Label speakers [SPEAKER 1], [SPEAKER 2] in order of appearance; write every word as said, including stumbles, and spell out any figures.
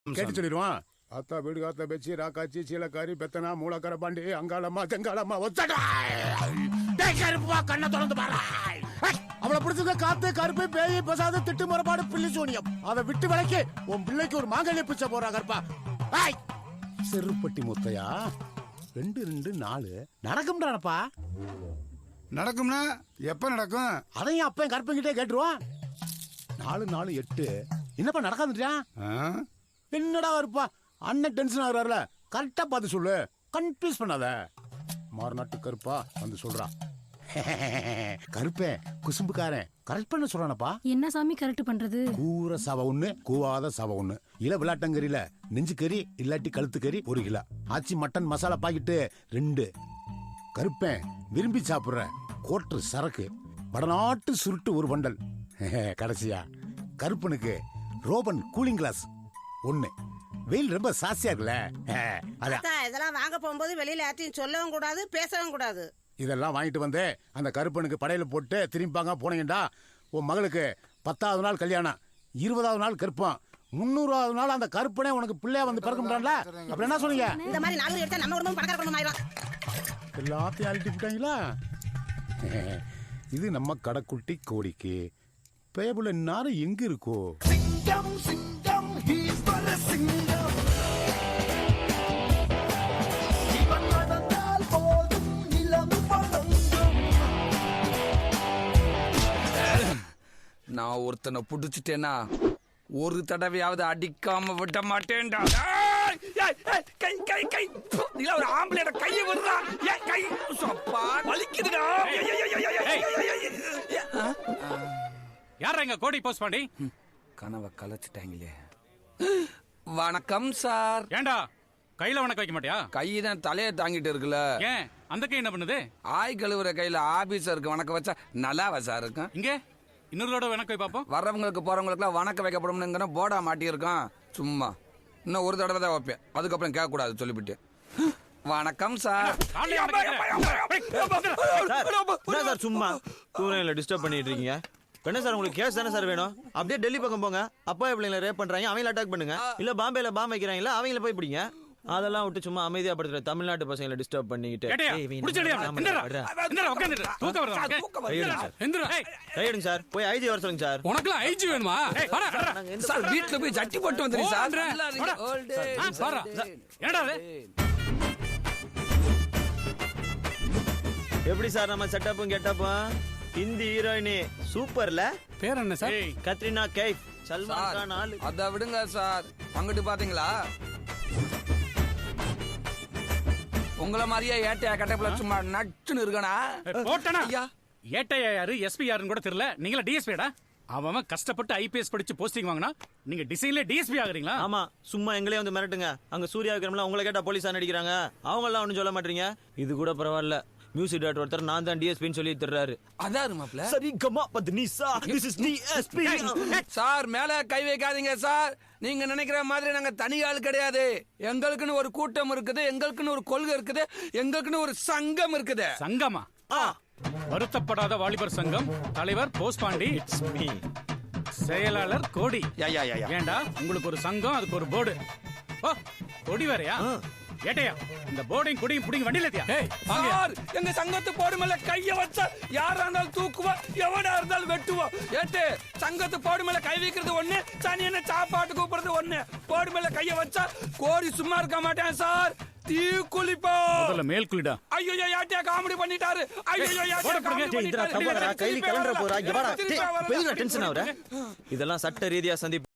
[SPEAKER 1] கேட்டு சொல்லிடுவான். அத்தா வீடு காத்த பெச்சி ராக்காச்சி சீலக்காரி பெத்தனா மூலக்கர பாண்டி அங்காளம்மா தெங்காளம்மா ஒத்தடா கருப்பா கண்ணை திறந்து பாரு. அவளை பிடிச்சது காத்து கருப்பு பேய் பசாது திட்டு முறைப்பாடு பிள்ளை சோனியம். அதை விட்டு விலைக்கு உன் பிள்ளைக்கு ஒரு மாங்கல்ய பிச்சை போறா கருப்பா. செருப்பட்டி முத்தையா ரெண்டு ரெண்டு நாலு நடக்கும்டானப்பா.
[SPEAKER 2] நடக்கும்னா எப்ப நடக்கும்?
[SPEAKER 1] அதையும் அப்ப கருப்பங்கிட்டே கேட்டுருவான். நாலு நாலு எட்டு என்னப்பா நடக்காதுட்டியா? என்னடா இருப்பா அண்ணன் டென்ஷன் ஆகுறாருல, கரெக்டா பார்த்து சொல்லு, கன்ஃபியூஸ் பண்ணாத. மாறுநாட்டு கருப்பா வந்து சொல்றான். கருப்பேன் குசும்புக்காரன் கரெக்ட் பண்ண சொல்றானப்பா.
[SPEAKER 3] என்ன சாமி கரெக்ட் பண்றது?
[SPEAKER 1] கூற சவ ஒண்ணு கூவாத சவ ஒண்ணு. இல விளாட்டங்கறியில நெஞ்சு கறி இல்லாட்டி கழுத்து கறி ஒரு kilo. Aachi mutton masala packet ரெண்டு. கருப்பேன் விரும்பி சாப்பிடுற கோட்டு சரக்கு வடநாட்டு சுருட்டு ஒரு பண்டல். கடைசியா கருப்பனுக்கு ரோபன் கூலிங் கிளாஸ் ஒண்ணு. வெயில் ரொம்ப சாசியா இருக்குல்ல,
[SPEAKER 4] இதெல்லாம் வாங்க போகும்போது வெளியில யார்ட்டையும் சொல்லவும் கூடாது பேசவும் கூடாது.
[SPEAKER 1] இதெல்லாம் வாங்கிட்டு வந்து அந்த கருப்பனுக்கு படையில போட்டு திரும்பிப்பாங்க போனீங்கடா. உன் மகளுக்கு பத்தாவது நாள் கல்யாணம், இருபதாவது நாள் கருப்பம், முன்னூறாவது நாள் அந்த கருப்பனே உனக்கு பிள்ளையா வந்து பிறக்க முடியாதுல. அப்படி என்ன சொன்னீங்க?
[SPEAKER 4] இந்த மாதிரி நாலு எடுத்தா நம்ம குடும்பம் பணக்கார குடும்பம் ஆயிடும்.
[SPEAKER 1] எல்லாத்தையும் அழிட்டு விட்டாங்களா? இது நம்ம கடைக்குட்டி கோடிக்கு பேபுல இன்னாரும் எங்க இருக்கோ?
[SPEAKER 5] நான் ஒருத்தனை புடிச்சிட்டேன்னா ஒரு தடவையாவது அடிக்காம விட மாட்டேன்டா. கை கை கை ஒரு ஆம்பளையோட கையை விடுறா. கை வலிக்குதுடா.
[SPEAKER 6] யாரா இங்க கோடி போஸ்ட் பண்ணி
[SPEAKER 5] கனவை கலைச்சிட்டாங்களே. வணக்கம் சார்.
[SPEAKER 6] ஏண்டா கையில வணக்கம் வைக்க மாட்டியா?
[SPEAKER 5] கைதான் தலையை தாங்கிட்டு இருக்குல்ல.
[SPEAKER 6] ஏன் அந்த கை என்ன பண்ணுது?
[SPEAKER 5] ஆய் கழுவுற கையில ஆபீசருக்கு வணக்கம் வச்சா நல்லாவா சார் இருக்கும்?
[SPEAKER 6] இங்க இன்னொரு வணக்கம் வை பாப்போம்.
[SPEAKER 5] வர்றவங்களுக்கு போறவங்களுக்கு எல்லாம் வணக்கம் வைக்கப்படும்னு போர்டா மாட்டியிருக்கான். சும்மா இன்னும் ஒரு தடவை தான் வைப்பேன், அதுக்கப்புறம் கேட்க கூடாது சொல்லிவிட்டு. வணக்கம் சார்.
[SPEAKER 7] சார் சும்மா தூரையில டிஸ்டர்ப் பண்ணிட்டு இருக்கீங்க. என்ன சார் உங்களுக்கு கேஸ் தானே சார் வேணும்? அப்படியே டெல்லி பக்கம் போங்க. அப்பா பிள்ளைங்களை ரேப் பண்றாங்க, அவங்கள அட்டாக் பண்ணுங்க. இல்ல பாம்பேல பாம்பு வைக்கிறாங்களா, அவங்கள போய் பிடிங்க. அதெல்லாம் விட்டு சும்மா அமைதியா படுத்துற தமிழ்நாட்டு பசங்களை டிஸ்டர்ப் பண்ணிக்கிட்டு கையெடுங்க சார். போய் ஐஜி வர சொல்லுங்க சார்.
[SPEAKER 6] உனக்குலாம் ஐஜி வேணுமா?
[SPEAKER 5] சார் வீட்டுல போய் சட்டி போட்டு வந்துருங்க சார்.
[SPEAKER 7] எப்படி சார் நம்ம செட்டப்பும் கெட்டப்பும்? ஹிந்தி ஹீரோயினி சூப்பர்ல.
[SPEAKER 6] பேர் என்ன சார்?
[SPEAKER 7] கத்ரினா கைஃப். சல்மான் கான் ஆளு.
[SPEAKER 5] அத விடுங்க சார். அங்கிட்டு பாத்தீங்களா உங்கள மாதிரியே ஏட்டையா கட்டப்புல சும்மா நச்சுன்னு இருக்கனா?
[SPEAKER 6] போட்டனா ஏட்டையா யாரு எஸ்பி யாருன்னு கூட தெரியல. நீங்களா டிஎஸ்பிடா? அவன் கஷ்டப்பட்டு ஐபிஎஸ் படிச்சு போஸ்டிங் வாங்கினா நீங்க டிசைன்ல டிஎஸ்பி ஆகுறீங்களா?
[SPEAKER 7] ஆமா, சும்மா எங்களே வந்து மிரட்டுங்க. அங்க சூர்யா விக்ரம்ல உங்களை கேட்டா போலீஸா நடிக்கிறாங்க. அவங்க எல்லாம் ஒண்ணும் சொல்ல மாட்டீங்க. இது கூட பரவாயில்ல. மியூசிக் டைரக்டர் ஒருத்தர் நான் தான் டிஎஸ்பின்னு சொல்லி தர்றாரு.
[SPEAKER 5] அதாரு மாப்ள.
[SPEAKER 7] சரி கமா பத்னிசா திஸ் இஸ் டிஎஸ்பி.
[SPEAKER 5] சார் மேல கை வைக்காதீங்க சார். நீங்க நினைக்கிற மாதிரி நாங்க தனி ஆள் கிடையாது. எங்களுக்குன்னு ஒரு கூட்டம் இருக்குது, எங்களுக்குன்னு ஒரு கொள்கை இருக்குது, எங்களுக்குன்னு ஒரு சங்கம் இருக்குது.
[SPEAKER 6] சங்கமா? வருத்தப்படாத வாலிபர் சங்கம் தலைவர் போஸ் பாண்டி, செயலாளர் கோடி. ஏண்டா உங்களுக்கு ஒரு சங்கம், அதுக்கு ஒரு போர்டு. ஓ கொடி வேறையா? ஏட்டையா இந்த போர்டையும் கொடியும் புடிங்க வண்டியில ஏத்தியா?
[SPEAKER 5] சார் எங்க சங்கத்து போர்டு மேல கைய வச்சா யாரா இருந்தாலும் தூக்குவா, எவனா இருந்தாலும் வெட்டுவா. ஏட்டு சங்கத்து போர்டு மேல கை வைக்கிறது ஒண்ணு, சனி என்ன சாப்பாட்டு கூப்பிடுறது ஒண்ணு. போர்டு மேல கைய வச்சா கோரி சும்மா இருக்க மாட்டேன் சார், தீ குளிப்பா.
[SPEAKER 6] முதல்ல மேல் குளிடா.
[SPEAKER 5] ஐயோ ஏட்டையா காமெடி பண்ணிட்டாரு. ஐயோ ஏட்டையா காமெடி பண்ணிட்டாரு.
[SPEAKER 7] கையில கலண்டற போறா. இங்க வாடா. டேய் பெரிய டென்ஷன் ஆவற. இதெல்லாம் சட்ட ரீதியா சந்தி